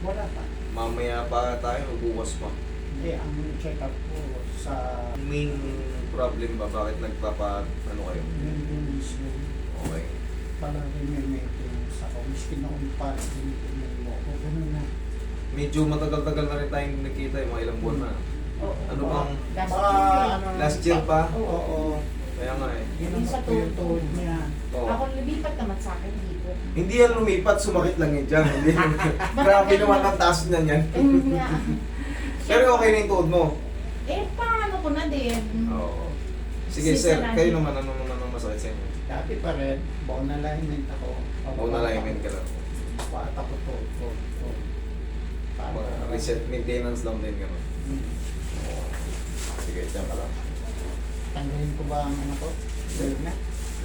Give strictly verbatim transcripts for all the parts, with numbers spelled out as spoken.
Wala pa. Mamaya pa tayo, bukas pa. Hindi, ang check up ko sa Main problem ba? Bakit nagpapa, ano kayo? maintenance yun. Okay. Parang may maintenance ako. Miski na kung parang hindi mo ako. Ganun na. Medyo matagal-tagal na rin tayong nakita, yung mga ilang buwan na. Oo. Ano bang, Last Baka, year. ano, last year pa? Oo. oo. Kaya nga eh. Ginamot Sa ko yung tuhod. tuhod niya. Oo. Ako lumipat naman sa akin dito. Hindi yan lumipat, sumakit lang yan dyan. Hindi. Grabe naman ang taas na yan. Ayun nga. Pero okay na yung tuhod mo. Eh, paano ko na din? Oo. Sige Sisa sir, lang. kayo naman, ano naman ang masakit sa inyo? Dati pa rin, bone alignment ako. Bone alignment ka lang. Bata ko to. to, to. Mga reset maintenance lang din gano'n. Hmm. Oo. Sige, dyan ka lang. Tanggalin ko ba ang ano ko? Dahil na.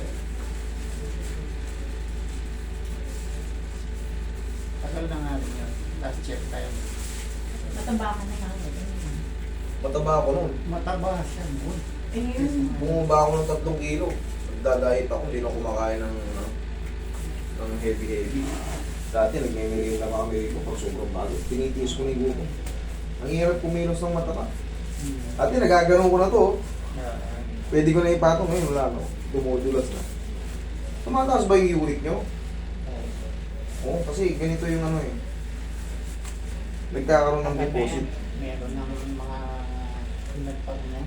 Tagal na nga rin yun. Last check tayo. Mataba ka na nga. Mataba ako nun. Mataba siya. Good. Ayun. Bumaba ako ng tatlong kilo. Nagdadayet ako, hindi na kumakain ng, ano, ng heavy-heavy. Dati nagmimili na kami ko pag sobrang bago. Tinitiis ko na yung gutom. Ang hirap kumilos ng mataba. Hmm. Dati nagaganon ko na to. Ah, Pwede ko na ipatong ngayon, wala no. Dumudulas na. Tumataas ba yung uric nyo? Oo, kasi ganito yung ano eh. Nagkakaroon ng deposit. Meron ng mga pinagpag niya.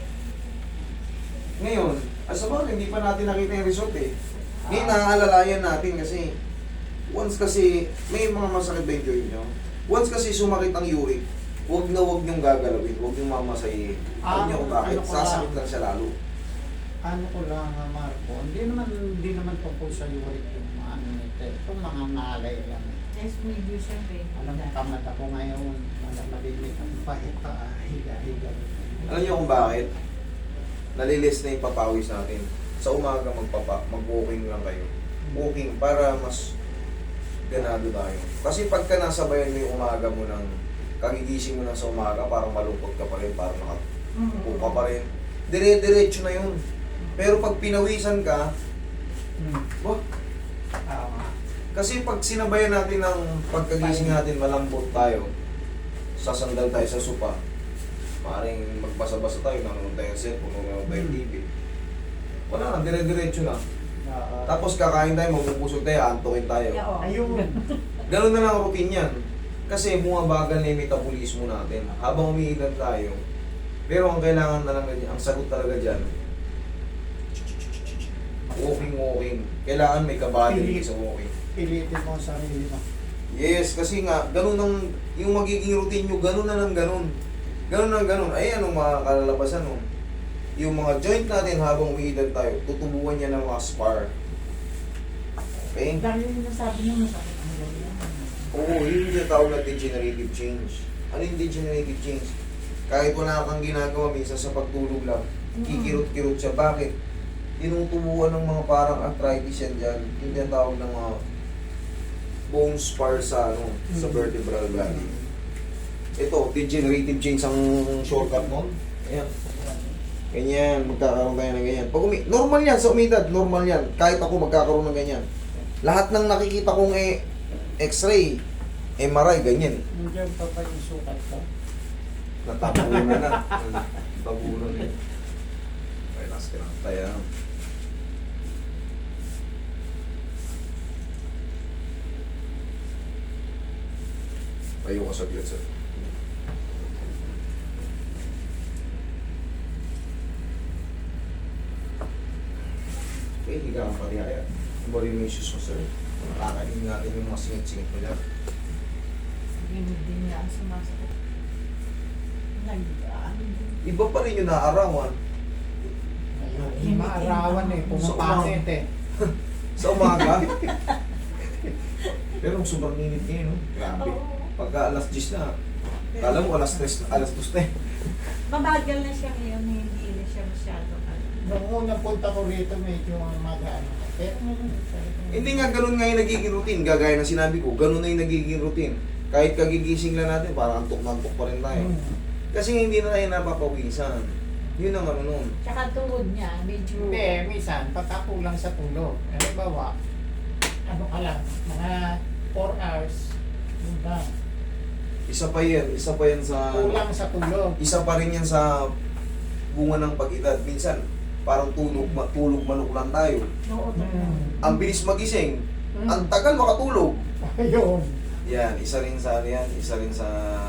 Ngayon, as a hindi pa natin nakita yung result eh. Ngayon, naaalalayan natin kasi once kasi, may mga masakit ba yung joint nyo? Once kasi sumakit ang uric, huwag na huwag niyong gagalawin, huwag niyong mamasahin. Alam Ah, niyo kung bakit, ano ko sasakit lang. lang siya lalo. Ano ko lang, ah, Marco, hindi naman hindi naman tungkol sa uric yung mga ano nito. Itong mga nalay lang. Yes, medyo siyempre. Alam mo, tamad ako ngayon. Malamalimit ang pahit pa. ah, Higa-higa. Alam niyo kung bakit? Nalilis na yung papawis natin. Sa umaga magpapa, mag-walking lang kayo. Walking para mas ganado tayo. Kasi pagka nasabayan mo yung umaga mo ng kagigising mo na sa umaga, parang malungkot ka pa rin, parang nakapupo ka pa rin. Dire-diretso na yun. Pero pag pinawisan ka, Hmm. wah, Tama. kasi pag sinabayan natin ng pagkagising natin, malambot tayo, sasandal tayo sa sopa, maaaring magbasa-basa tayo, nanonood tayo ng cellphone, nanonood tayo ng T V. Wala na, dire-diretso na. Ah, Tapos kakain tayo, magbubusog tayo, antukin tayo. Oo. ayun. Ganun na lang ang routine yan. Kasi bumabagal na yung metabolismo natin. Habang umiilan tayo, pero ang kailangan na lang ganyan, ang sagot talaga dyan, walking, walking. Kailangan may kabady sa walking. Pilitin mo ang sarili mo. Yes, kasi nga, ganun ang, yung magiging routine nyo, ganun na lang ganun. Ganun lang ganun. Ay, anong mga kalalabasan nun? Yung mga joint natin habang umiilan tayo, tutubuan niya ng mga spar. Okay? Dahil yung nasabi niyo, masakit ang lolo yan. Oo, yun yung tinatawag na degenerative change. Ano yung degenerative change? Kahit wala kang ginagawa, minsan sa pagtulog lang, kikirot-kirot siya. Bakit? Tinutubuan ng mga parang arthritis yan dyan. Yung tinatawag ng mga bone spar sa, ano, sa vertebral body. Ito, degenerative change ang shortcut nun. Ayan. Ganyan, magkakaroon tayo ng ganyan. Pag umi normal yan sa umidad, normal yan. Kahit ako magkakaroon ng ganyan. Lahat ng nakikita kong e x-ray, M R I, ganyan. Nandiyan pa pa yung sukat ko. Natabunan na. Natabunan na. Relax ka lang. Taya. Tayo ka saglit, sir. Okay, higa ang parihaya. Ano ba rin yung issues mo, sir? Nakakainin natin yung mga singit-singit mo dyan. Hindi din niya ang sumasakit. Nag-ano din. Iba pa rin yung naarawan. Ayun, maarawan eh. Pumapangit eh. Sa umaga. Pero sobrang init ngayon, no? Grabe. Oo. Pagka alas diyes na, kala mo alas tres, alas dos na eh. Mabagal na siya ngayon, hindi na siya masyado. ano. Nung unang punta ko rito, medyo magaan. Pero Hindi nga ganun nga yung nagiging routine. Gagaya ng sinabi ko, ganun na yung nagiging routine. Kahit kagigising lang natin, parang antok na antok pa rin tayo. Hmm. Kasi hindi na tayo napapawisan. Yun ang ano nun. Tsaka tuhod niya, medyo... Hindi, minsan, pagkakulang sa tulog. Halimbawa, ano ka lang, mga four hours, yun lang. Isa pa yan, isa pa yan sa... Kulang sa tulog. Isa pa rin yan sa bunga ng pag-edad. Minsan, parang tulog, ma- tulog manok lang tayo. Oo, Hmm. Ang bilis magising, Hmm. ang tagal makatulog. Ayun. Yan, isa rin sa ano yan, isa rin sa...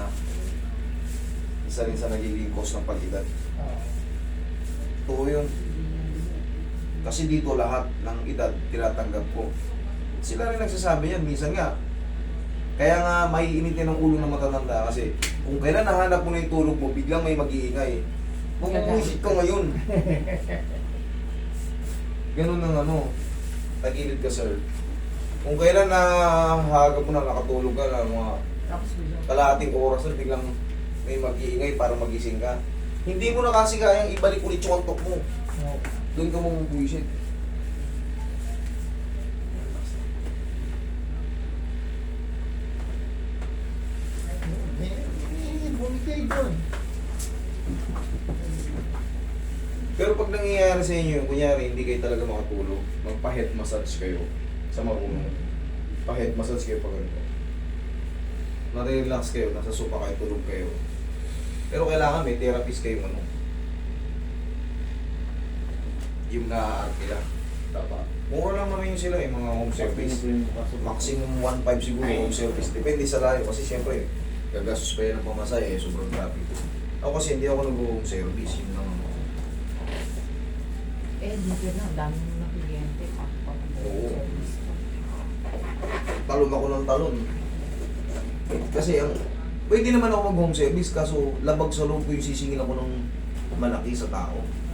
Isa rin sa nagiging cause ng pag-edad. Ah. Totoo yun. Kasi dito lahat ng edad tinatanggap ko. Sila rin nagsasabi yan, minsan nga. Kaya nga maiinitin ng ulo ng matatanda kasi kung kailan nahanap mo na yung tulog mo, biglang may mag-iingay. Mamumusik ka ngayon. Ganun ang ano, tagilid ka sir. Kung kailan na hagap mo na nakatulog ka na mga Tapos bigla. kalahating oras na biglang may mag-iingay para magising ka. Hindi mo na kasi kayang ibalik ulit yung antok mo. Oh. Doon ka mamubuisit. Eh, eh, bumigay doon. Pero pag nangyayari sa inyo, kunyari hindi kayo talaga makatulog, magpa-head massage kayo sa marunong. Pa-head massage kayo pag ganito. Nare-relax kayo, nasa sofa kayo, tulog kayo. Pero kailangan may therapist kayo ano. Yung na-arkila. Dapat. Mura lang naman yun sila eh, mga home service. Maximum one point five siguro home service. Depende sa layo kasi siyempre, gagastos pa yan ng pamasay eh, sobrang traffic. Ako kasi hindi ako nag-home service, yun lang ako. Eh, dito na, dami mo na kliyente. Oo. Talon ako ng talon. Kasi ang pwede naman ako mag-home service kaso labag sa loob ko yung sisingil ako ng malaki sa tao.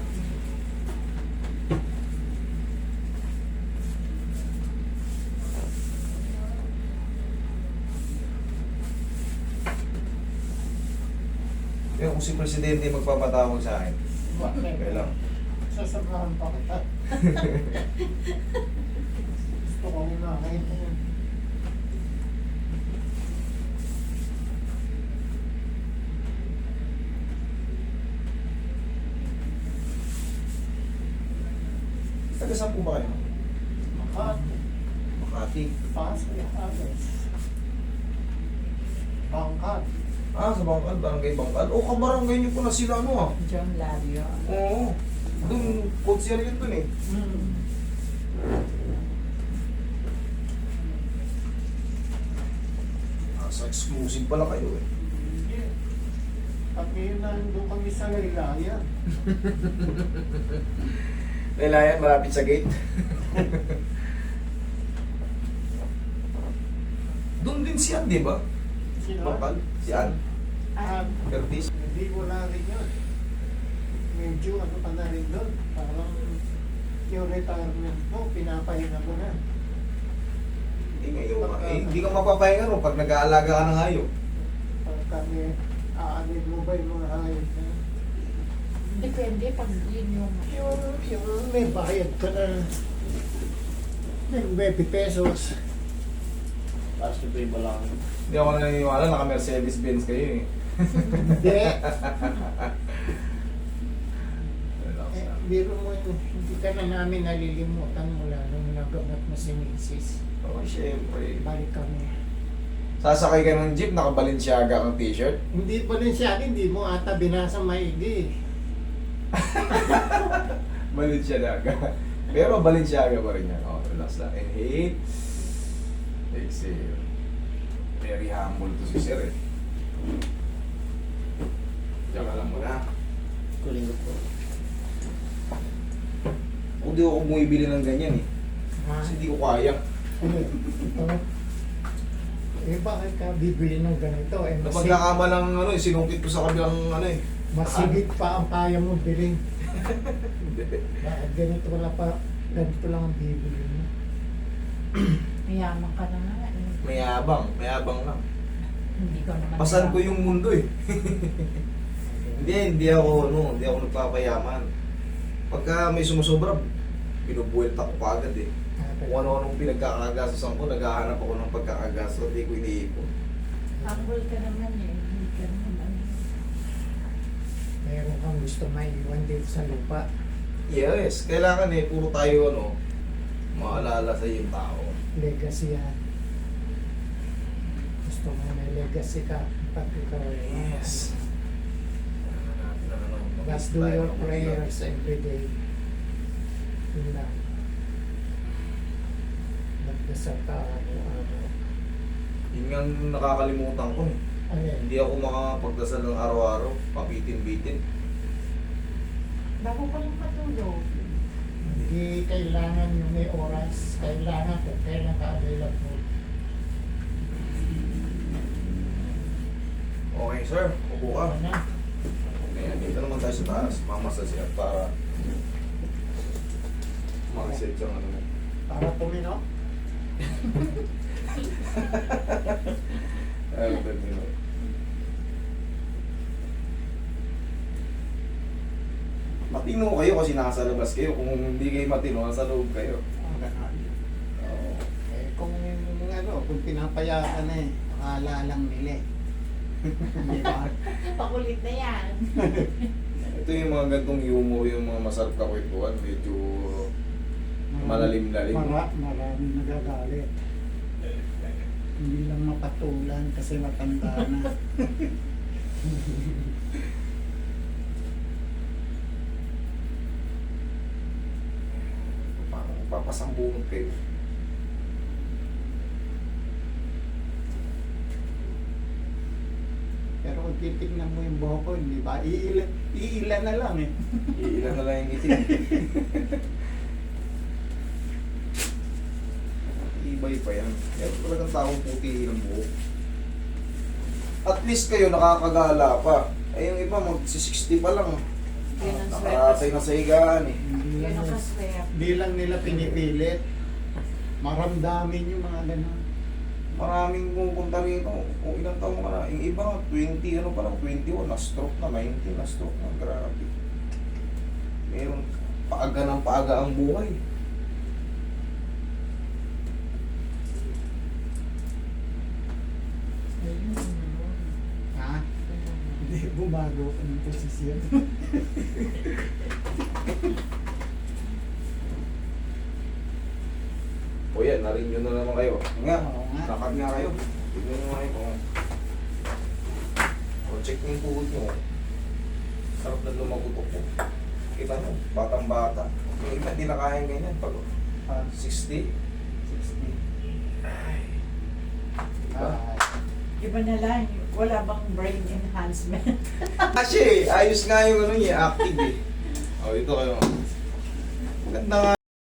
Pero kung si Presidente magpapatawag sa akin, okay lang. Sasabahan pa kita. Gusto ko umahin. Taga saan po ba kayo? Makati. Makati. Pasay. Alas. Pangkat. Ah, sa Bangkal, barangay Bangkal. O, kabarangay niyo po na sila ano ah. John Lario. Oo. Doon, konsyer yun doon eh. Hmm. Ah, sa exclusive pala kayo eh. Hindi. Kami nandun kami sa Laylayan. Lailayan, malapit sa gate. Doon din si Ann, di ba? Sino? Bangkal? Si Ann. Ah, Curtis. hindi ko na rin yun. Medyo ano pa na rin doon. Parang yung retirement mo, pinapahinga ko na. Hindi ngayon. Eh, hindi ka mapapahinga ro pag nag-aalaga ka ng hayop. Pag kami, aanin mo ba yung mga hayop na? Depende pag yun yung... Yung, yung may bayad ka na ng twenty pesos. Tapos ito yung balang. Hindi ako naniniwala, naka-Mercedes Benz kayo eh. Hindi. Eh, biro mo yun, hindi ka na namin nalilimutan mula nung nagagat na si Missus Oo, syempre. Balik kami. Sasakay ka ng jeep, naka-Balenciaga ang t-shirt. Hindi pa rin siya, hindi mo ata binasa maigi. Balenciaga. Pero Balenciaga pa rin yan. Oh, relax lang. Inhale. Exhale. Very humble to si Sir eh. Diyan ka lang muna. Kuling ko po. Kung di ako bumibili ng ganyan eh. Ha? Kasi hindi ko kaya. Ano? Ito? Eh bakit ka bibili ng ganito? Eh, masig- Napagkakama ng ano eh, sinungkit ko sa kabilang ano eh. masigit pa ang kaya mo bilhin. Hindi. Bakit ganito wala pa, ganito lang ang bibili mo? Mayaman ka na nga. eh. Mayabang, mayabang lang. Hindi ko naman... Pasan ko yung mundo eh. Hindi, hindi ako ano, hindi ako nagpapayaman. Pagka may sumusobra, binubuwelta ko kaagad eh. Kung ano-anong pinagkakagastosan ko, naghahanap ako ng pagkakagastos, hindi ko iniipon. Humble ka naman eh. Hindi ka naman. Meron kang gusto maiwan dito sa lupa. Yes, kailangan eh, puro tayo ano, maalala sa yung tao. Legacy yan. Gusto Kung may legacy ka, pag ikaw ay Yes. Ano natin ang ano, Just do your prayers every day. Yun lang. Nagdasal ka araw-araw. Yun nga ang nakakalimutan ko eh. Ano yan? Hindi ako makakapagdasal ng araw-araw, pabitin-bitin. Bago ko lang patulog. Hindi kailangan yung may oras. Kailangan kung kailan ka available. Okay sir, upo ka. Ano na? Ayan, dito naman tayo sa taas. Mamasal siya para makaset yung ano mo. Para tumino? Ayun, tumino. Matino kayo kasi nasa labas kayo. Kung hindi kayo matino, nasa loob kayo. Ang ganon. Oo. Eh, kung ano, kung pinapayaan eh, akala lang nila eh. Di ba? Pakulit na yan. Ito yung mga gantong humor, yung mga masarap na kwentuhan. Medyo malalim-lalim. Mara, maraming nagagalit. Hindi lang mapatulan kasi matanda na. Parang papasambungan kayo. Pero kung titignan mo yung buhok ko, hindi ba? Iilan, iilan na lang eh. Ilan na lang yung itim. Ibay pa yan. Meron talagang taong puti ng buhok. At least kayo nakakagala pa. Ay yung iba mag-sixty pa lang. Yun ang Nakaratay na sa higaan eh. Hindi Yun lang, ang kaswerte. di lang nila pinipilit. Maramdamin yung mga ganun. Maraming pupunta rito. Kung ilang taong ka na. Yung iba nga, twenty, ano pa lang, twenty-one, na-stroke na, nineteen, na-stroke na. Grabe. Meron paaga ng paaga ang buhay. Ha? Hindi, bumago ko ng posisyon. O yan, narin nyo na naman kayo. Nga, Oo nga. lakad nga kayo. Tignan nyo nga kayo. O, check nyo yung puhod nyo. Sarap na lumagutok po. Kita nyo, batang bata. Yung iba, hindi na kaya ganyan. Pag Ah, sixty. sixty. Diba? Ah, Iba na lang, wala bang brain enhancement? Kasi, ayos nga yung ano niya, active eh. O, ito kayo. Maganda nga